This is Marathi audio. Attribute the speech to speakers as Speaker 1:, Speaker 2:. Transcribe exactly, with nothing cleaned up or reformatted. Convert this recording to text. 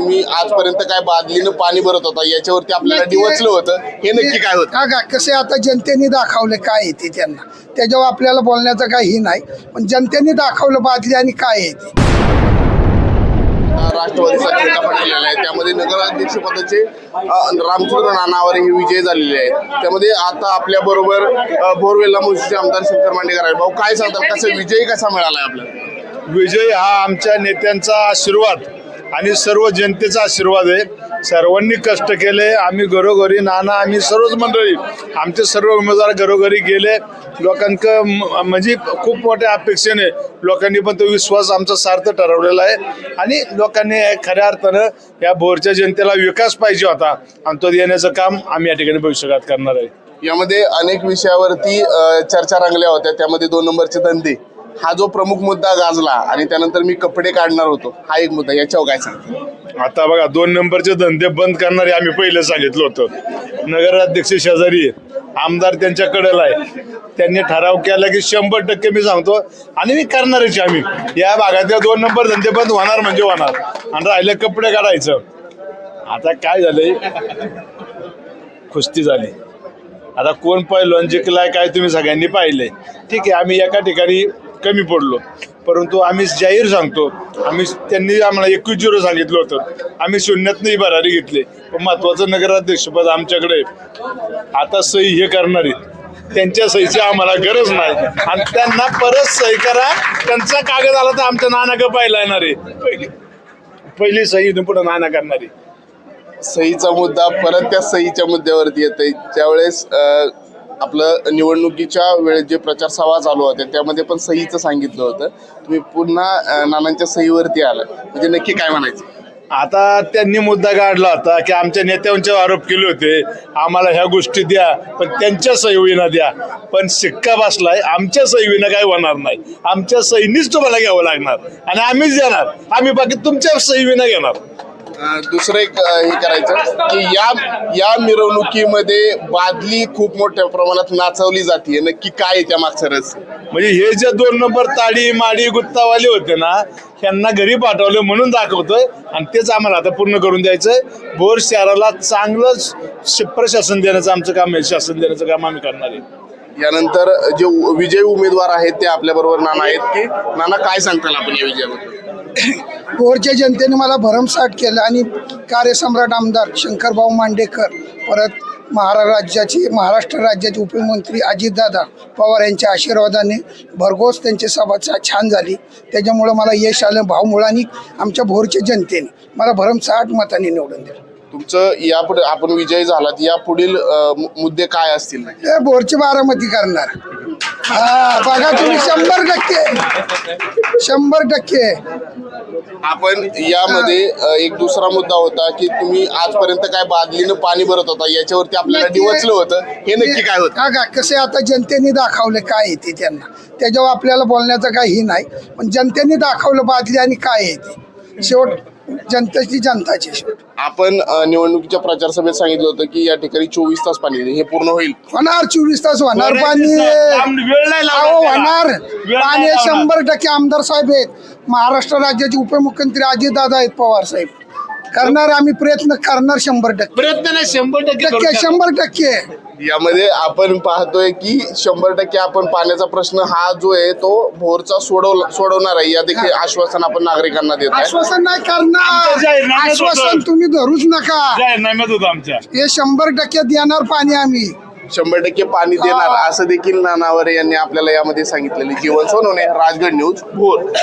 Speaker 1: तुम्ही आजपर्यंत काय बादलीनं पाणी भरत होता याच्यावरती आपल्याला डिवचलं होतं, हे नक्की काय होतं?
Speaker 2: का कसे आता जनतेने दाखवले काय आहे ते त्यांना, त्याच्यावर आपल्याला बोलण्याचं काही नाही, पण जनतेने दाखवलं बादली आणि काय आहे ते.
Speaker 1: राष्ट्रवादीचा झेंडा फडकलेला आहे, त्यामध्ये नगराध्यक्ष पदाचे रामचंद्र नानावर हे विजय झालेले आहेत. त्यामध्ये आता आपल्या बरोबर बोरवेल्ला मुळशीचे आमदार शंकर मांडेकर आहेत. भाऊ, काय सांगतात, कसा विजय कसा मिळालाय आपल्याला?
Speaker 3: विजय हा आमच्या नेत्यांचा आशीर्वाद आणि सर्व जनतेचा आशीर्वाद आहे. सर्वांनी कष्ट केले. आम्ही घरोघरी नाना आम्ही सर्वच मंडळी आमचे सर्व उमेदवार घरोघरी गेले. लोकांक म्हणजे खूप मोठ्या अपेक्षेने लोकांनी पण तो विश्वास आमचा सार्थ ठरवलेला आहे आणि लोकांनी खऱ्या अर्थानं या भोरच्या जनतेला विकास पाहिजे होता आणि तो देण्याचं काम आम्ही या ठिकाणी भविष्यकाळात करणार आहे.
Speaker 1: यामध्ये अनेक विषयावरती चर्चा रंगल्या होत्या, त्यामध्ये दोन नंबरचे धंदे हा जो प्रमुख मुद्दा गाजला आणि त्यानंतर मी कपडे काढणार होतो हा एक मुद्दा, याच्यावर काय सांगतो?
Speaker 3: आता बघा, दोन नंबरचे धंदे बंद करणारे आम्ही पहिले सांगितलं होतं. नगराध्यक्ष शेजारी आमदार त्यांच्या कडेला आहे, त्यांनी ठराव केला की शंभर टक्के मी सांगतो आणि मी करणारच. आम्ही या भागातल्या दोन नंबर धंदे बंद होणार म्हणजे होणार आणि राहिले कपडे काढायचं. आता काय झालंय, कुस्ती झाली. आता कोण पहिलवान जिंकलाय काय तुम्ही सगळ्यांनी पाहिलंय. ठीक आहे, आम्ही एका ठिकाणी कमी पडलो, परंतु आम्ही जाहीर सांगतो, आम्ही त्यांनी आम्हाला एकवीस झिरो सांगितलं होतं, आम्ही शून्यातनंही भरारी घेतली. पण महत्वाचं नगराध्यक्षपद आमच्याकडे आता सही हे करणारी, त्यांच्या सहीची आम्हाला गरज नाही आणि त्यांना परत सही करा. त्यांचा कागद आला तर आमच्या नाना पाहिला येणार आहे. पहिली पहिली सही पुढे नाना करणारी.
Speaker 1: सहीचा मुद्दा परत त्या सहीच्या मुद्द्यावरती येतोय. ज्यावेळेस आपलं निवडणुकीच्या वेळेस जे प्रचार सभा चालू होत्या त्यामध्ये पण सहीचं सांगितलं होतं, तुम्ही पुन्हा नानांच्या सहीवरती आला, म्हणजे नक्की काय म्हणायचं?
Speaker 3: आता त्यांनी मुद्दा काढला होता की आमच्या नेत्यांचे आरोप केले होते, आम्हाला ह्या गोष्टी द्या पण त्यांच्या सहीविना द्या. पण शिक्का बसलाय, आमच्या सहीविना काय होणार नाही. आमच्या सहीनीच तुम्हाला घ्यावं लागणार आणि आम्हीच देणार. आम्ही बाकी तुमच्या सहीविना घेणार.
Speaker 1: दुसरं एक हे करायचं की या या मिरवणुकीमध्ये बादली खूप मोठ्या प्रमाणात नाचवली जाते, नक्की काय आहे त्या मागचं रस?
Speaker 3: म्हणजे हे जे दोन नंबर ताडी माडी गुत्तावाले होते ना, त्यांना घरी पाठवलं म्हणून दाखवतोय आणि तेच आम्हाला आता पूर्ण करून द्यायचंय. भोर शहराला चांगलं प्रशासन देण्याचं आमचं काम आहे, शासन देण्याचं काम आम्ही करणार आहे.
Speaker 1: यानंतर जे विजयी उमेदवार आहेत ते आपल्या बरोबर नाना आहेत. की नाना, काय सांगताल आपण या विजयाबद्दल?
Speaker 2: भोरच्या जनतेने मला भरमसाठ केलं आणि कार्यसम्राट आमदार शंकरभाऊ मांडेकर, परत महारा राज्याचे महाराष्ट्र राज्याचे उपमुख्यमंत्री अजितदादा पवार यांच्या आशीर्वादाने भरघोस त्यांची सभा छान झाली. त्याच्यामुळं मला यश आलं. भाऊमुळांनी आमच्या भोरच्या जनतेने मला भरमसाठ मताने निवडून दिलं.
Speaker 1: तुमचं यापुढे आपण विजयी झालात, या पुढील मुद्दे काय असतील?
Speaker 2: हे भोरची बारामती करणार. हा बघा तुम्ही, शंभर टक्के शंभर टक्के
Speaker 1: आपण यामध्ये एक दुसरा मुद्दा होता की तुम्ही आजपर्यंत काय बादलीनं पाणी भरत होता याच्यावरती आपल्याला डिवचलं होतं, हे नक्की काय होतं?
Speaker 2: का कसे आता जनतेने दाखवले काय आहे ते त्यांना, त्याच्यावर आपल्याला बोलण्याचं काही नाही, पण जनतेने दाखवलं बादली आणि काय आहे ते. शेवट जनतेची जनताची शेवट.
Speaker 1: आपण निवडणुकीच्या प्रचार सभेत सांगितलं होतं की या ठिकाणी चोवीस तास पाणी देईल, हे पूर्ण होईल?
Speaker 2: होणार, चोवीस तास होणार पाणी. अहो होणार पाणी, शंभर टक्के. आमदार साहेब आहेत, महाराष्ट्र राज्याचे उपमुख्यमंत्री अजितदादा आहेत पवार साहेब. करणार, आम्ही प्रयत्न करणार शंभर टक्के.
Speaker 3: प्रयत्न नाही, शंभर
Speaker 2: टक्के शंभर टक्के.
Speaker 1: यामध्ये आपण पाहतोय की शंभर टक्के आपण पाण्याचा प्रश्न हा जो आहे तो भोरचा सोडव सोडवणार आहे, या देखील आश्वासन आपण नागरिकांना देत आहे.
Speaker 2: आश्वासन नाही करणार, आश्वासन तुम्ही धरूच नका.
Speaker 3: आमच्या
Speaker 2: हे शंभर टक्के देणार पाणी आम्ही,
Speaker 1: शंभर टक्के पाणी देणार असं देखील नानावरे यांनी आपल्याला यामध्ये सांगितलेले. जीवन सोनवणे, राजगड न्यूज, भोर.